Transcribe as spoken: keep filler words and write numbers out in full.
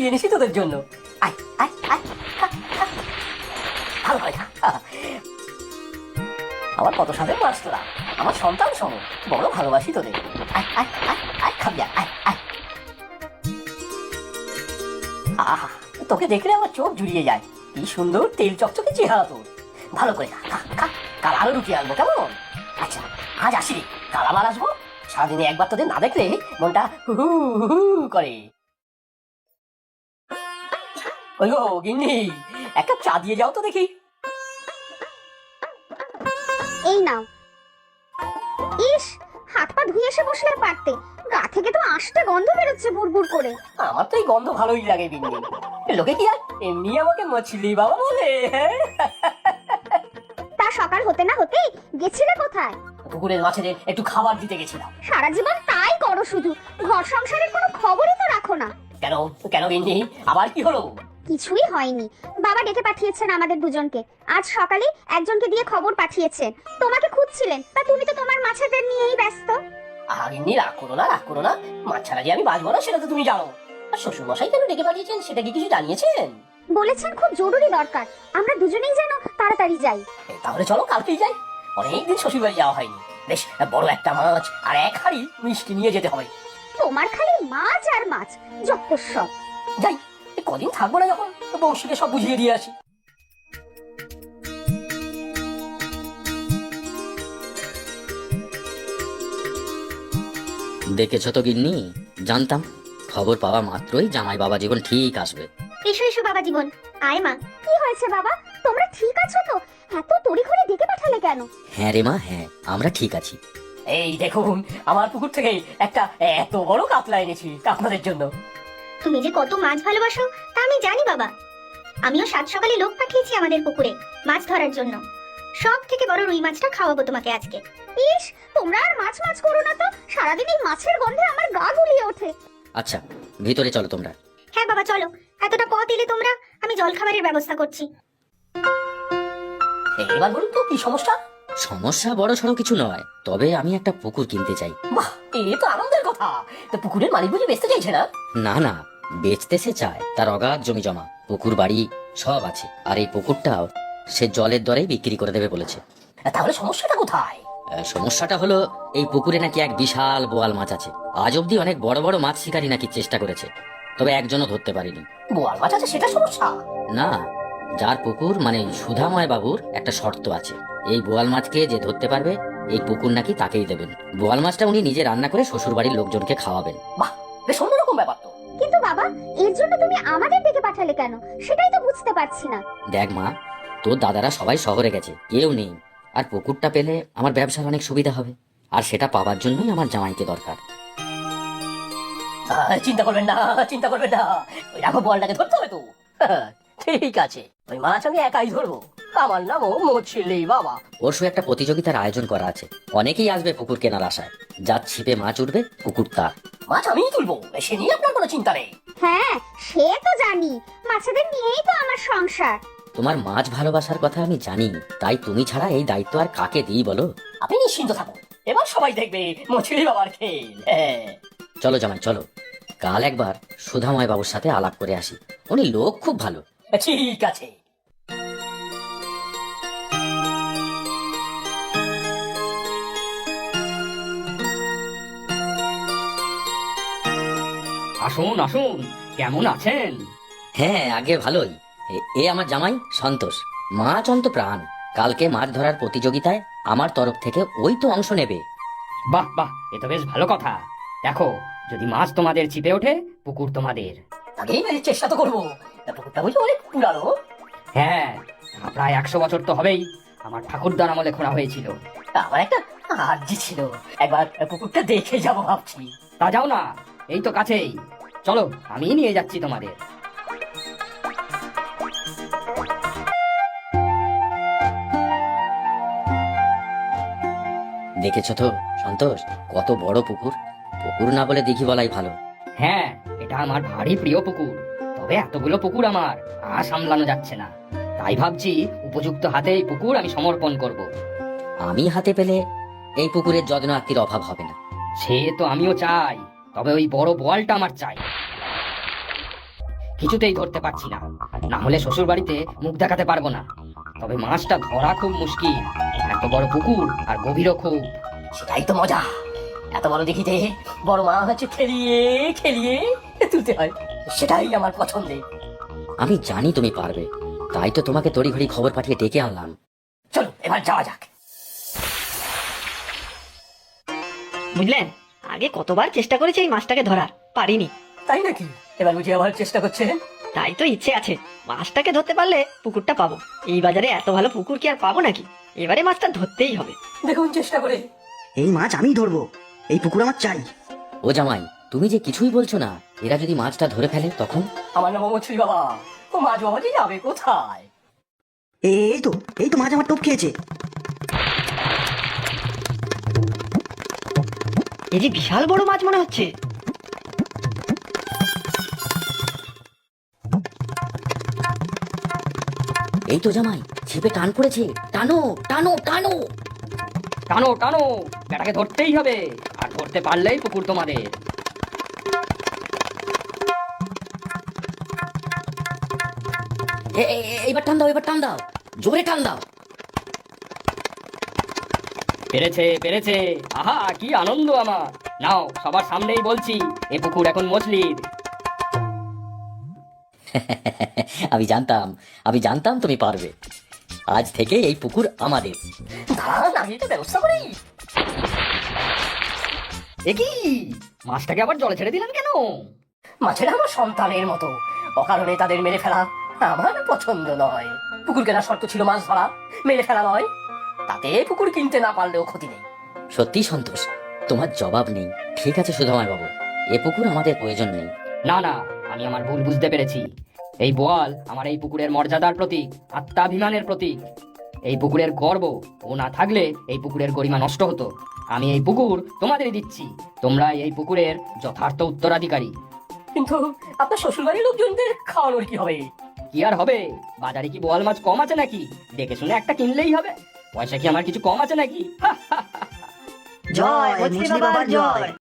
লুকিয়ে এনেছি তোদের জন্য। আয় আয় আয়, খা, খা। ভালো করে খা। আমার কত সাথে মাছ তোরা, আমার সন্তান সম, বড় ভালোবাসি তোদের। আয় আয় আয় আয়, খাবি আয় আয় আয়। আহা, তোকে দেখলে আমার চোখ জুড়িয়ে যায়। কি সুন্দর তেল চকচকে চেহারা তোর। ভালো করে খা খা খা, কাল আরো রুটি আনবো কেমন? আচ্ছা আজ আসি রে, কাল আবার আসবো। সারাদিনে একবার তোদের না দেখলে মনটা হু হু হু করে। ওই গো গিন্নি, এক কাপ চা দিয়ে যাও তো দেখি। এই নাও। ইস, হাত পা ধুয়ে এসে বসলে পারতে, গা থেকে তো আষ্টে গন্ধ বেরোচ্ছে বুড়বুড় করে। আমার তো এই গন্ধ ভালোই লাগে গিন্নি। লোকে কি আর এমনি আমাকে মছলি বাবা বলে? তা সকাল হতে না হতেই গেছিলে কোথায়? পুকুরের মাছেদের একটু খাবার দিতে গেছিলাম। সারা জীবন তাই করো শুধু, ঘর সংসারের কোনো খবরই তো রাখো না। কেন কেন গিন্নি, আবার কি হলো? কিছুই হয়নি, বাবা ডেকে পাঠিয়েছেন আমাদের দুজনকে। আজ সকালে একজনকে দিয়ে খবর পাঠিয়েছেন, তোমাকে খুঁজছিলেন। তা তুমি তো তোমার মাছেদের নিয়েই ব্যস্ত। আহা গিন্নি, রাগ করো না রাগ করো না, মাছ ছাড়া যে আমি বাঁচবো না সেটা তো তুমি জানো। আর শ্বশুর মশাই কেন ডেকে পাঠিয়েছেন সেটা কি কিছু জানিয়েছেন? বলেছেন খুব জরুরি দরকার, আমরা দুজনেই যেন তাড়াতাড়ি যাই। এই, তাহলে চলো কালকেই যাই। অনেকদিন শ্বশুর বাড়ি যাওয়া হয়নি। বেশ বড় একটা মাছ আর এক হাঁড়ি মিষ্টি নিয়ে যেতে হবে। তোমার খালি মাছ আর মাছ, যত সব। যাই, এই কদিন থাকবো না যখন, বংশীকে সব বুঝিয়ে দিয়ে আসি। দেখেছ তো গিন্নি, জানতাম খবর পাওয়া মাত্রই জামাই বাবা জীবন ঠিক আসবে। এসো এসো বাবা জীবন, আয় মা। কি হয়েছে বাবা, তোমরা ঠিক আছো তো? এত তড়িঘড়ি ডেকে পাঠালে কেন? হ্যাঁ রে মা, হ্যাঁ আমরা ঠিক আছি। এই দেখুন, আমার পুকুর থেকে একটা এত বড় কাতলা এনেছি আপনাদের জন্য। তুমি যে কত মাছ ভালোবাসো তা আমি জানি বাবা। আমিও সাত সকালে লোক পাঠিয়েছি আমাদের পুকুরে মাছ ধরার জন্য। সব থেকে বড় রুই মাছটা খাওয়াবো তোমাকে আজকে। ইস, তোমরা আর মাছ মাছ করো না তো, সারাদিন এই মাছের গন্ধে আমার গা গুলিয়ে ওঠে। আচ্ছা ভিতরে চলো তোমরা। হ্যাঁ বাবা চলো, এতটা পথ এলে তোমরা, আমি জল খাবারের ব্যবস্থা করছি। এবার বলুন তো কি সমস্যা? সমস্যা বড় সড়ো কিছু নয়, তবে আমি একটা পুকুর কিনতে চাই। বাহ, এ তো আনন্দের কথা। তো পুকুরের মালিক বুঝি বেচতে চাইছে না? না না, বেচতে সে চায়, তার অগাধ জমি জমা, পুকুর বাড়ি সব আছে। আর এই পুকুরটাও সে জলের দরেই বিক্রি করে দেবে বলেছে। তাহলে সমস্যাটা কোথায়? আহ, সমস্যাটা হলো এই পুকুরে নাকি এক বিশাল বোয়াল মাছ আছে। আজ অব্দি অনেক বড় বড় মাছ শিকারী নাকি চেষ্টা করেছে, তবে একজনও ধরতে পারেনি। বোয়াল মাছ আছে সেটা সমস্যা? না, যার পুকুর মানে সুধাময় বাবুর একটা শর্ত আছে, এই বোয়াল মাছকে যে ধরতে পারবে এই পুকুর নাকি তাকেই দেবেন। বোয়াল মাছটা উনি নিজে রান্না করে শ্বশুর বাড়ির লোকজনকে খাওয়াবেন। বাহ, বেশ অন্যরকম ব্যাপার তো। কিন্তু বাবা, এর জন্য তুমি আমাদের ডেকে পাঠালে কেন, সেটাই তো বুঝতে পারছি না। দেখ মা, তোর দাদারা সবাই শহরে গেছে, কেউ নেই। আর পুকুরটা পেলে আমার ব্যবসার অনেক সুবিধা হবে, আর সেটা পাওয়ার জন্যই আমার জামাইকে দরকার। আহ, চিন্তা করবেন না চিন্তা করবেন না, ওই রাঘব বলটাকে ধরতে হবে তো। ঠিক আছে, ওই মাছ আমি একাই ধরবো। আমার নামও মছলি বাবা। পরশু একটা প্রতিযোগিতার আয়োজন করা আছে, অনেকেই আসবে পুকুর কেনার আশায়। যার ছিপে মাছ উঠবে পুকুর তার। মাছ আমিই তুলবো, সে নিয়ে আপনার কোনো চিন্তা নেই। হ্যাঁ সে তো জানি, মাছেদের নিয়েই তো আমার সংসার। তোমার মাছ ভালোবাসার কথা আমি জানি, তাই তুমি ছাড়া এই দায়িত্ব আর কাকে দিই বলো? আপনি নিশ্চিন্ত থাকুন, এবার সবাই দেখবে মছলি বাবার খেল। হ্যাঁ চলো জামাই চলো, কাল একবার সুধাময় বাবুর সাথে আলাপ করে আসি, উনি লোক খুব ভালো। ঠিক আছে। আসুন আসুন, কেমন আছেন? হ্যাঁ আগে ভালোই। এ- এ আমার জামাই সন্তোষ, মাছ অন্ত প্রাণ। কালকে মাছ ধরার প্রতিযোগিতায় আমার তরফ থেকে ওই তো অংশ নেবে। বাহ বাহ, এ তো বেশ ভালো কথা। দেখো, যদি মাছ তোমাদের ছিপে ওঠে, পুকুর তোমাদের। আগেই চেষ্টা তো করবো। পুকুরটা বুঝি অনেক পুরানো। হ্যাঁ, প্রায় একশো বছর তো হবেই। আমার ঠাকুরদার আমলে খোঁড়া হয়েছিল। আমার একটা আর্জি ছিল, একবার পুকুরটা দেখে যাবো ভাবছি। তা যাও না, এই তো কাছেই। চলো, আমি নিয়ে যাচ্ছি তোমাদের। দেখেছো তো সন্তোষ, কত বড় পুকুর। পুকুর না বলে দিঘি বলাই ভালো। হ্যাঁ, এটা আমার ভারী প্রিয় পুকুর, তবে এতগুলো পুকুর আমার আর সামলানো যাচ্ছে না। তাই ভাবছি উপযুক্ত হাতে এই পুকুর আমি সমর্পণ করব। আমি হাতে পেলে এই পুকুরের যত্ন আত্মীর অভাব হবে না। সে তো আমিও চাই, তবে ওই বড় বোয়ালটা আমার চাই। কিছুতেই ধরতে পারছি না, না হলে শ্বশুর বাড়িতে মুখ দেখাতে পারবো না। তবে মাছটা ধরা খুব মুশকিল, এত বড় পুকুর আর গভীরও খুব। সেটাই তো মজা, এত বড় দেখিতে বড় মাছ হচ্ছে খেলিয়ে খেলিয়ে তুলতে হয়, সেটাই আমার পছন্দের। আমি জানি তুমি পারবে, তাই তো তোমাকে তড়িঘড়ি খবর পাঠিয়ে ডেকে আনলাম। চলো এবার যাওয়া যাক। বুঝলেন, আগে কতবার চেষ্টা করেছি এই মাছটাকে ধরার, পারিনি। তাই নাকি? এবার বুঝি আবার চেষ্টা করছেন? তাই তো ইচ্ছে আছে, মাছটাকে ধরতে পারলে পুকুরটা পাবো। এই বাজারে এত ভালো পুকুর কি আর পাবো নাকি? এবারে মাছটা ধরতেই হবে। দেখুন চেষ্টা করে। এই মাছ আমি ধরবো, এই পুকুর আমার চাই। ও জামাই, তুমি যে কিছুই বলছো না, এরা যদি মাছটা ধরে ফেলে তখন? আমার নাম মছলি বাবা, ও মাছ বাবা যে যাবে কোথায়? এই তো এই তো মাছ আমার টোপ খেয়েছে। এই যে বিশাল বড় মাছ মনে হচ্ছে। এই তো জামাই, ছিপে টান পড়েছে, টানো টানো টানো। টানো টানো, বেটাকে ধরতেই হবে, আর ধরতে পারলেই পুকুর তোমাদের। এ- এ- এ- এবার টান দাও, এবার টান দাও, জোরে টান দাও। পেরেছে পেরেছে, আহা কি আনন্দ আমার। নাও, সবার সামনেই বলছি, এ পুকুর এখন মছলির। আমি জানতাম, আমি জানতাম তুমি পারবে। আজ থেকে এই পুকুর আমাদের। দাঁড়ান, আমি তো ব্যবস্থা করি। এ কি, মাছটাকে আবার জলে ছেড়ে দিলেন কেন? মাছেরা আমার সন্তানের মতো, অকারণে তাদের মেরে ফেলা আমার পছন্দ নয়। পুকুর কেনার শর্ত ছিল মাছ ধরা, মেরে ফেলা নয়। তাতে পুকুর কিনতে না পারলেও ক্ষতি নেই। সত্যি সন্তোষ, তোমার জবাব নেই। ঠিক আছে সুধাময় বাবু, এ পুকুর আমাদের প্রয়োজন নেই। না না, আমি আমার ভুল বুঝতে পেরেছি। এই বোয়াল আমার এই পুকুরের মর্যাদার প্রতীক, আত্মাভিমানের প্রতীক। এই পুকুরের গর্ব, ও না থাকলে এই পুকুরের গরিমা নষ্ট হতো। আমি এই পুকুর তোমাদেরই দিচ্ছি, তোমরা এই পুকুরের যথার্থ উত্তরাধিকারী। কিন্তু আপনার শ্বশুরবাড়ির লোকজনদের খাওয়ানোর কি হবে? কি আর হবে, বাজারে কি বোয়াল মাছ কম আছে নাকি? দেখে শুনে একটা কিনলেই হবে। পয়সা কি আমার কিছু কম আছে নাকি? জয় মছলি বাবার জয়।